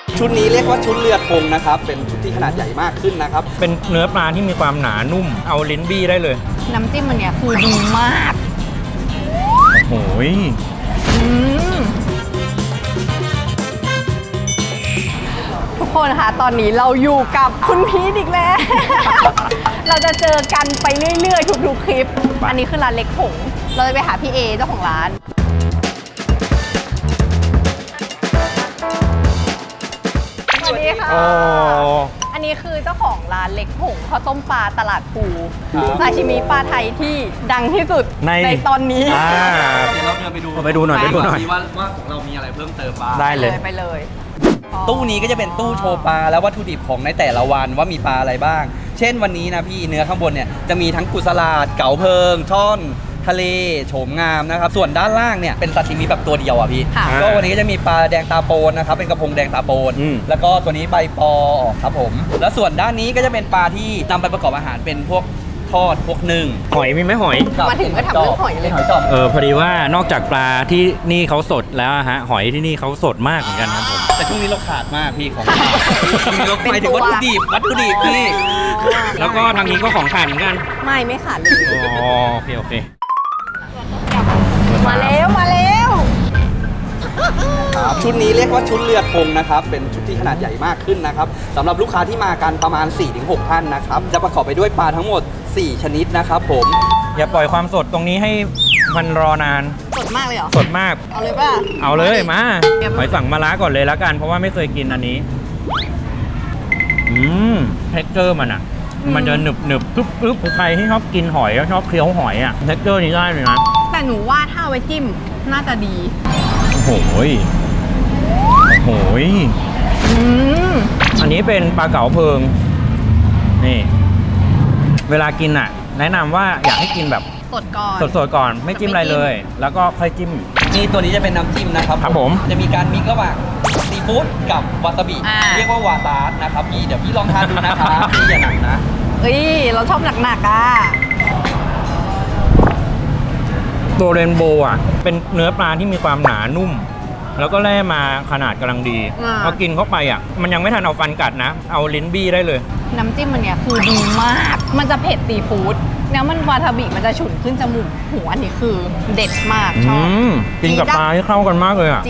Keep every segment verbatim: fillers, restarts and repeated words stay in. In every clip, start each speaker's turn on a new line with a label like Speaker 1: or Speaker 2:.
Speaker 1: ชุดนี้เรียกว่าชุดเรือธงนะครับเป็นชุดที่ขนาดใหญ่มากขึ้นนะครับ
Speaker 2: เป็นเนื้อปลาที่มีความหนานุ่มเอาลิ้นบี้ได้เลย
Speaker 3: น้ำจิ้มมันเนี่ยคือดีมาก
Speaker 2: โอ้ย
Speaker 3: ทุกคนคะตอนนี้เราอยู่กับคุณพีทอีกแล้ว เราจะเจอกันไปเรื่อยๆทุกๆคลิปอันนี้คือร้านเล็กผงเราจะไปหาพี่เอเจ้าของร้านสวัสดีค่ะอันนี้คือเจ้าของร้านเล็กผงข้าวต้มปลาตลาดปูซาชิมิปลาไทยที่ดังที่สุดในในตอนนี้
Speaker 1: เดี๋ยวเราเดินไปดู
Speaker 2: ไปดูหน่อยไปดูหน่อย
Speaker 1: ว่าว่าของเรามีอะไรเพิ่มเติมบ้าง
Speaker 2: ได้เลย
Speaker 3: ไปเลย
Speaker 1: ตู้นี้ก็จะเป็นตู้โชว์ปลาแล้ววัตถุดิบของในแต่ละวันว่ามีปลาอะไรบ้างเช่นวันนี้นะพี่เนื้อข้างบนเนี่ยจะมีทั้งกุสลาดเก๋าเพิงช่อนทะเลโฉมงามนะครับส่วนด้านล่างเนี่ยเป็นซาชิมิแบบตัวเดียวอ่ะพี่ก็วันนี้ก็จะมีปลาแดงตาโปนนะครับเป็นกระพงแดงตาโปนแล้วก็ตัวนี้ใบปอครับผมแล้วส่วนด้านนี้ก็จะเป็นปลาที่นำไปประกอบอาหารเป็นพวกทอดพวกนึ่ง
Speaker 2: หอยมีไหมหอย
Speaker 3: มาถึงก็ทำเรื่องหอยเลย
Speaker 2: เออพอดีว่านอกจากปลาที่นี่เขาสดแล้วฮะหอยที่นี่เขาสดมากเหมือนกันครับผม
Speaker 1: แต่ช่วงนี้เราขาดมากพี่ของเราหมายถึงวัตถุดิบวัตถุดิบพี่
Speaker 2: แล้วก็ทางนี้ก็ของขาดเหมือนกัน
Speaker 3: ไม่ไม่ขาดเลย
Speaker 2: อ๋อโอเคโอเค
Speaker 3: มาแล้วมาแล้ว
Speaker 1: ชุดนี้เรียกว่าชุดเรือธงนะครับเป็นชุดที่ขนาดใหญ่มากขึ้นนะครับสำหรับลูกค้าที่มากันประมาณ สี่ถึงหก ท่านนะครับจะประกอบไปด้วยปลาทั้งหมดสี่ชนิดนะครับผม
Speaker 2: อย่าปล่อยความสดตรงนี้ให้มันรอนาน
Speaker 3: สดมากเลยเหรอ
Speaker 2: สดมาก
Speaker 3: เอาเลยป่ะ
Speaker 2: เอาเลยมาหอยสั่งมะระก่อนเลยแล้วกันเพราะว่าไม่เคยกินอันนี้อืมเท็กเจอร์มันอ่ะมันจะหนึบหนึบปึ๊บปึ๊บใครที่ชอบกินหอยชอบเคี้ยวหอยอ่ะเท็กเจอร์นี้ได้เลยนะ
Speaker 3: แต่หนูว่าถ้าไว้จิ้มน่าจะดี
Speaker 2: โอ้โหโอ้โหอันนี้เป็นปลาเก๋าเพิงนี่เวลากินอ่ะแนะนำว่าอยากให้กินแบบ
Speaker 3: สดก่อน
Speaker 2: สดๆก่อนไม่จิ้มอะไรเลยแล้วก็ค่อยจิ้ม
Speaker 1: นี่ตัวนี้จะเป็นน้ำจิ้มนะครับ
Speaker 2: ครับผม
Speaker 1: จะมีการมิกซ์ระหว่างซีฟู้ดกับวาซาบิเรียกว่าวาซาสนะครับพี่เดี๋ยวพี่ลองทานดูนะครับพี่อย่าหนักนะ
Speaker 3: เอ้ยเราชอบหนักๆอ่ะ
Speaker 2: ตัวเรนโบว์อ่ะเป็นเนื้อปลาที่มีความหนานุ่มแล้วก็แล่มาขนาดกำลังดีพอกินเข้าไปอ่ะมันยังไม่ทันเอาฟันกัดนะเอาลิ้นบี้ได้เลย
Speaker 3: น้ำจิ้มมันเนี่ยคือดีมากมันจะเผ็ดซีฟู้ดแล้วมันวาทาบิมันจะฉุนขึ้นจมูกหัวอันนี้คือเด็ดมากชอบ
Speaker 2: กินกับปลาที่เข้ากันมากเลยอ่ะ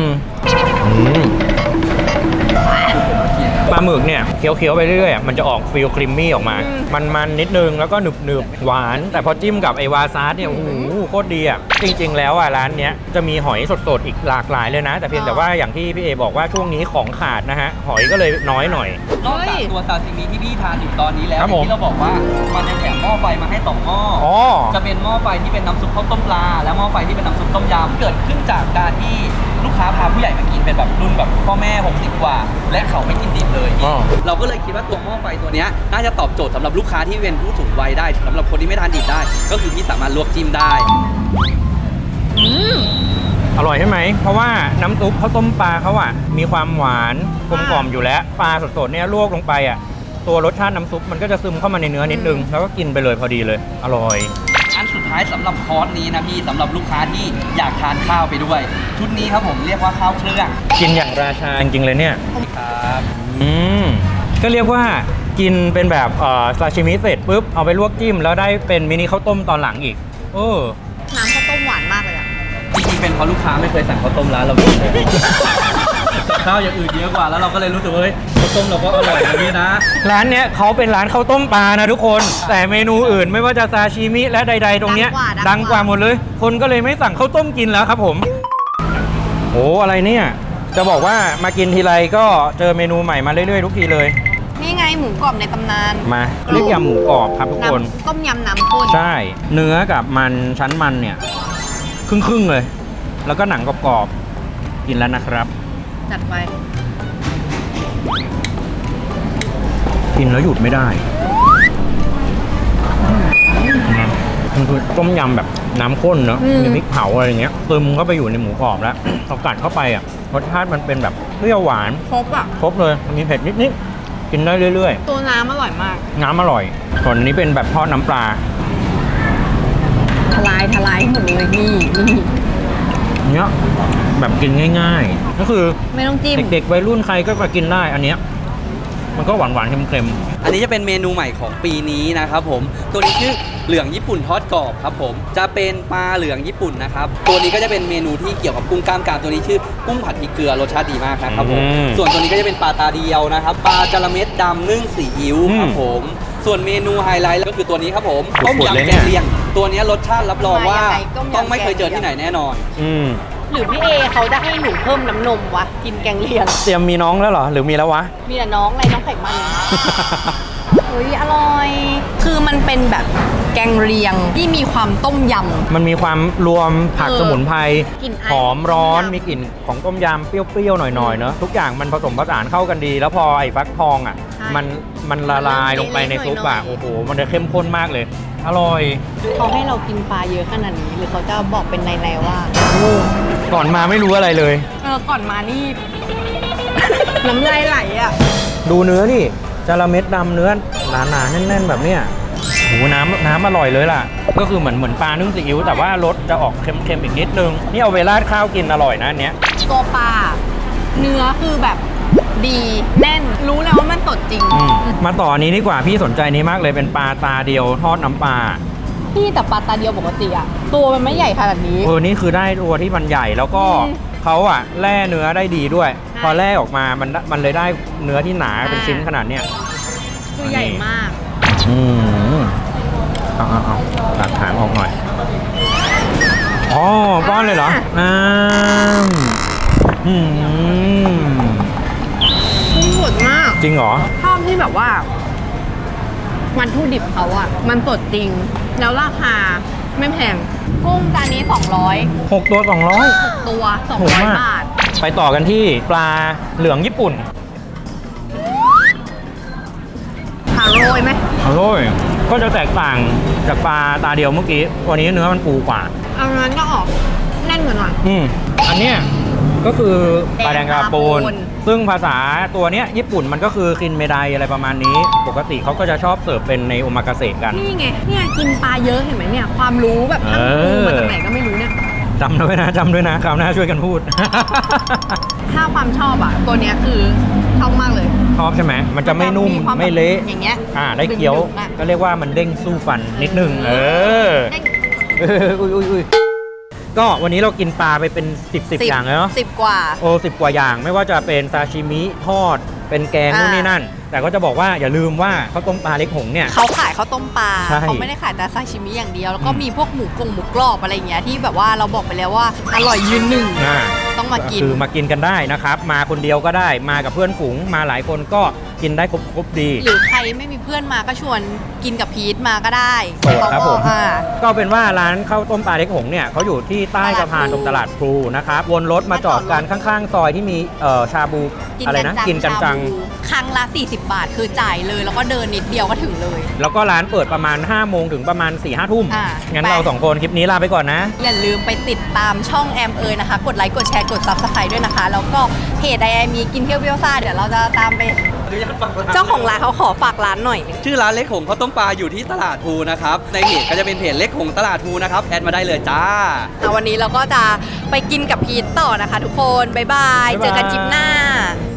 Speaker 2: ปลาหมึกเนี่ยเคี้ยวๆไปเรื่อยๆมันจะออกฟิลครีมมี่ออกมามันๆนิดนึงแล้วก็หนึบๆหวานแต่พอจิ้มกับไอวาซาสเนี่ยโอ้โหโคตรดีอ่ะจริงๆแล้วอ่ะร้านเนี้ยจะมีหอยสดๆอีกหลากหลายเลยนะแต่เพียงแต่ว่าอย่างที่พี่เอบอกว่าช่วงนี้ของขาดนะฮะหอยก็เลยน้อยหน่อย
Speaker 1: นอกจากตัวซาซิมิที่พี่ทานอยู่ตอนนี้แล้วที่เราบอกว่ามันจะแถมหม้อไฟมาให้สองหม้อจะเป็นหม้อไฟที่เป็นน้ำซุปข้าวต้มปลาและหม้อไฟที่เป็นน้ำซุปต้มยำเกิดขึ้นจากการที่ลูกค้าพาผู้ใหญ่มากินเป็นแบบรุ่นแบบพ่อแม่หกสิบกว่าและเขาไม่กินดิบเลยเราก็เลยคิดว่าตัวหม้อไฟตัวนี้น่าจะตอบโจทย์สำหรับลูกค้าที่เป็นผู้สูงวัยได้สำหรับคนที่ไม่ทานดิบได้ก็คือที่สามารถลวกจิ้มได้
Speaker 2: อร่อยใช่ไหมเพราะว่าน้ำซุปข้าวต้มปลาเขาอ่ะมีความหวานกลมกล่อมอยู่แล้วปลาสดๆเนี่ยลวกลงไปอ่ะตัวรสชาติน้ำซุปมันก็จะซึมเข้ามาในเนื้อนิดนึงแล้วก็กินไปเลยพอดีเลยอร่อย
Speaker 1: อันสุดท้ายสำหรับคอร์สนี้นะพี่สำหรับลูกค้าที่อยากทานข้าวไปด้วยชุดนี้ครับผมเรียกว่าข้าวเครื่อง
Speaker 2: กินอย่างราชาจริงๆเลยเนี่ย
Speaker 1: ครับ
Speaker 2: อืมก็เรียกว่ากินเป็นแบบเอ่อซาชิมิเสร็จปุ๊บเอาไปลวกจิ้มแล้วได้เป็นมินิข้าวต้มตอนหลังอีกเออ
Speaker 3: น้ำข้าวต้มหวานมากเลยอ่ะ
Speaker 1: จริงๆเป็นเพราะลูกค้าไม่เคยสั่งข้าวต้มร้านเราเลยข้าวอย่างอื่นเยอะกว่าแล้วเราก็เลยรู้สึกว่าเฮ้ยข้าวต้มเราก็อร่อยนะพี่นะ
Speaker 2: ร้านเนี้ยเขาเป็นร้านข้าวต้มปลานะทุกคนแต่เมนูอื่นไม่ว่าจะซาชิมิและใดๆตรงเนี้ยดังกว่าหมดเลยคนก็เลยไม่สั่งข้าวต้มกินแล้วครับผมโอ้อะไรเนี่ยจะบอกว่ามากินทีไรก็เจอเมนูใหม่มาเรื่อยๆทุกทีเลย
Speaker 3: นี่ไงหมูกรอบในตำนาน
Speaker 2: มาเรียกยำหมูกรอบครับทุกคน
Speaker 3: ต้มยำน้ำข้น
Speaker 2: ใช่เนื้อกับมันชั้นมันเนี่ยครึ่งๆเลยแล้วก็หนังกรอบๆกินแล้วนะครับ
Speaker 3: จัดไป
Speaker 2: กินแล้วหยุดไม่ได้มันคือต้มยำแบบน้ำข้นเนาะมีพริกเผาอะไรอย่างเงี้ยซึมเข้าไปอยู่ในหมูกรอบแล้วพอกัดเข้าไปอ่ะรสชาติมันเป็นแบบเปรี้ยวหวาน
Speaker 3: ครบอ่ะ
Speaker 2: ครบเลยมีเผ็ดนิดๆกินได้เรื่อย
Speaker 3: ๆตัวน้ำอร่อยมาก
Speaker 2: น้ำอร่อยส่วนนี้เป็นแบบทอดน้ำปลา
Speaker 3: ทลายทลายหมดเลยนี่นี่
Speaker 2: อืเนี้ยแบบกินง่ายๆ ก็คือ
Speaker 3: ไม่ต้องจิ้ม
Speaker 2: เด็กๆวัยรุ่นใครก็มากินได้อันเนี้ยมันก็หวานๆเค็ม
Speaker 1: อันนี้จะเป็นเมนูใหม่ของปีนี้นะครับผมตัวนี้ชื่อเหลืองญี่ปุ่นทอดกรอบครับผมจะเป็นปลาเหลืองญี่ปุ่นนะครับตัวนี้ก็จะเป็นเมนูที่เกี่ยวกับกุ้งกล้ามกรามตัวนี้ชื่อกุ้งผัดพริกเกลือรสชาติดีมากนะครับผมส่วนตัวนี้ก็จะเป็นปลาตาเดียวนะครับปลาจระเม็ดดำนึ่งซีอิ๊วครับผมส่วนเมนูไฮไลท์ก็คือตัวนี้ครับผมต้มยำแกงเลียงตัวนี้รสชาติรับรองว่าต้องไม่เคยเจอที่ไหนแน่นอน
Speaker 2: ๆอืม
Speaker 3: หรือพี่เอเขาจะให้หนูเพิ่มน้ำนมวะกินแกงเลียง
Speaker 2: เตรียมมีน้องแล้วเหรอหรือมีแล้ววะ
Speaker 3: มีแต่น้องอะไรน้องไขมันเฮ้ยอร่อย คือมันเป็นแบบแกงเลียงที่มีความต้มยำ
Speaker 2: มันมีความรวมผัก
Speaker 3: เออ
Speaker 2: สมุนไพร
Speaker 3: กลิ่นไอ
Speaker 2: หอมร้อน
Speaker 3: ต้มยำ
Speaker 2: มีกลิ่นของต้มยำเปรี้ยวๆหน่อยๆเนอะทุกอย่างมันผสมผสานเข้ากันดี แล้วพอไอ้ฟักทองอ่ะ
Speaker 3: ใช่
Speaker 2: มันมันละลายลงไปในซุปอ่ะ
Speaker 3: หน่อยๆ
Speaker 2: โอ้โหมันจะเข้มข้นมากเลย อร่อย
Speaker 3: เขาให้เรากินปลาเยอะขนาดนี้หรือเขาจะบอกเป็นในๆว่า
Speaker 2: ก่อนมาไม่รู้อะไรเลย
Speaker 3: เออก่อนมานี่ น้ำลายไหลอ่ะ
Speaker 2: ดูเนื้อดิจระเม็ดดำเนื้อหนาๆแน่นๆแบบเนี้ยโหน้ำน้ำอร่อยเลยล่ะ ก็คือเหมือนเหมือนปลานึ่งซีอิ๊วแต่ว่ารสจะออกเค็มๆอีกนิดนึง นี่เอาไปราดข้าวกินอร่อยนะอันเนี้ย
Speaker 3: ตัวปลาเนื้อคือแบบดีแน่นรู้แล้วว่ามันสดจริง
Speaker 2: อืมมาต่ออันนี้ดีกว่าพี่สนใจนี้มากเลยเป็นปลาตาเดียวทอดน้ำปลา
Speaker 3: พี่แต่ปลาตาเดียวปกติอะตัวมันไม่ใหญ่ขนาดนี้
Speaker 2: เออนี่คือได้ตัวที่มันใหญ่แล้วก็
Speaker 3: อืม
Speaker 2: เขาอะแล่เนื้อได้ดีด้วย
Speaker 3: ใช่
Speaker 2: พอแล่ออกมามันมันเลยได้เนื้อที่หนาเป็น
Speaker 3: อ่า
Speaker 2: ชิ้นขนาดเนี้ย
Speaker 3: ตัวใหญ่มาก
Speaker 2: อืมเอาเอาเอาตัดหางออกหน่อยอ๋อป้อนเลยเหรอน้ำอืม
Speaker 3: กุ้งสดมาก
Speaker 2: จริงเหรอ
Speaker 3: ชอบที่แบบว่าวัตถุดิบเขาอะมันสดจริง แล้วราคาไม่แพงกุ้งจานนี้สองร้อย
Speaker 2: หกตัวสองร้อย
Speaker 3: ตัวสอง
Speaker 2: ถูก
Speaker 3: ร้อย
Speaker 2: มาก
Speaker 3: บาท
Speaker 2: ไปต่อกันที่ปลาเหลืองญี่ปุ่น
Speaker 3: หาโรยไหม
Speaker 2: อร่อยก็จะแตกต่างจากปลาตาเดียวเมื่อกี้ตัวนี้เนื้อมันปูกว่า
Speaker 3: เอางั้นก็ออกแน่นกว่าหน่อย
Speaker 2: อืมอันเนี้ยก็คือปลาแดงกาปูน
Speaker 3: แดงกาปูน
Speaker 2: ซึ่งภาษาตัวเนี้ยญี่ปุ่นมันก็คือคินเมไดอะไรประมาณนี้ ปกติเขาก็จะชอบเสิร์ฟเป็นในโอมากาเสะกัน
Speaker 3: นี่ไง เนี่ยกินปลาเยอะเห็นไหมเนี่ย ความรู้แบบทั้งปูมาจากไหนก็ไม่รู้เนี่ย
Speaker 2: จำด้วยนะจำด้วยนะคราวหน้าช่วยกันพูด
Speaker 3: ถ้าความชอบอ่ะ ตัวเนี้ยคือชอบมากเลย
Speaker 2: ชอบใช่ไหมมันจะไม่นุ่ม
Speaker 3: ควา
Speaker 2: ไม่เละ
Speaker 3: อย่างเงี้ย
Speaker 2: อ่าได้เคี้ยว
Speaker 3: ดึงๆอะ
Speaker 2: ก็เรียกว่ามันเด้งสู้ฟันนิดนึง เออ
Speaker 3: เด้ง
Speaker 2: เอออุ้ยอุ้ยอุ้ยก็วันนี้เรากินปลาไปเป็นสิบสิบอย่างแล้วเนาะ
Speaker 3: สิบกว่า
Speaker 2: โอ้สิบกว่าอย่างไม่ว่าจะเป็นซาชิมิทอด เป็นแกง
Speaker 3: อ่า
Speaker 2: นู่นนี่นั่น แต่ก็จะบอกว่าอย่าลืมว่าข้าวต้มปลาเล็กหงเนี่ย
Speaker 3: เขาขายข้าวต้มปลา
Speaker 2: ใช่
Speaker 3: เขาไม่ได้ขายแต่ซาชิมิอย่างเดียว แล้วก็
Speaker 2: อืม
Speaker 3: มีพวกหมูกงหมูกรอบอะไรอย่างเงี้ยที่แบบว่าเราบอกไปแล้วว่าอร่อยยืนหนึ่ง
Speaker 2: อ่า
Speaker 3: ต้องมากิน
Speaker 2: คือมากินกันได้นะครับ มาคนเดียวก็ได้มากับเพื่อนฝูงมาหลายคนก็กินได้ครบครบดี
Speaker 3: หรือใครไม่มีเพื่อนมาก็ชวนกินกับพีทมาก็ได้
Speaker 2: โอ้ครับ
Speaker 3: เขา
Speaker 2: ผ
Speaker 3: ก็
Speaker 2: ม
Speaker 3: อ่า
Speaker 2: ก็เป็นว่าร้านข้าวต้มปลาเล็กหงเนี่ยเขาอยู่ที่ใต้สะพานตรงตลาดพลูนะครับวนรถมาจอดกันข้างๆ ซอยที่มีเอ่อชาบูอะไรนะกินกันจัง
Speaker 3: ชาบูครั้งละสี่สิบบาทคือจ่ายเลย แล้วก็เดินนิดเดียวก็ถึงเลย
Speaker 2: แล้วก็ร้านเปิดประมาณห้าโมงถึงประมาณสี่ห้าทุ่ม
Speaker 3: อ่า
Speaker 2: งั้น
Speaker 3: ไป
Speaker 2: เราสองคนคลิปนี้ลาไปก่อนนะ
Speaker 3: อย่าลืมไปติดตามช่องแอมเอยนะคะ กดไลค์กดแชร์กด ซับสไครบ์ ด้วยนะคะ แล้วก็เพจไอไอมีกินเที่ยวเบี้ยวซ่าเดี๋ยวเราจะตามไป เจ้าของร้านเขาขอฝากร้านหน่อย
Speaker 1: ชื่อร้านเล็กหงข้าวต้มปลาอยู่ที่ตลาดภูนะครับในเพจก็จะเป็นเพจเล็กหงตลาดภูนะครับแอดมาได้เลยจ้า
Speaker 3: อ่ะวันนี้เราก็จะไปกินกับพีทต่อนะคะทุกคน บ๊ายบาย
Speaker 2: บ๊ายบาย
Speaker 3: เจอกันคลิปหน้า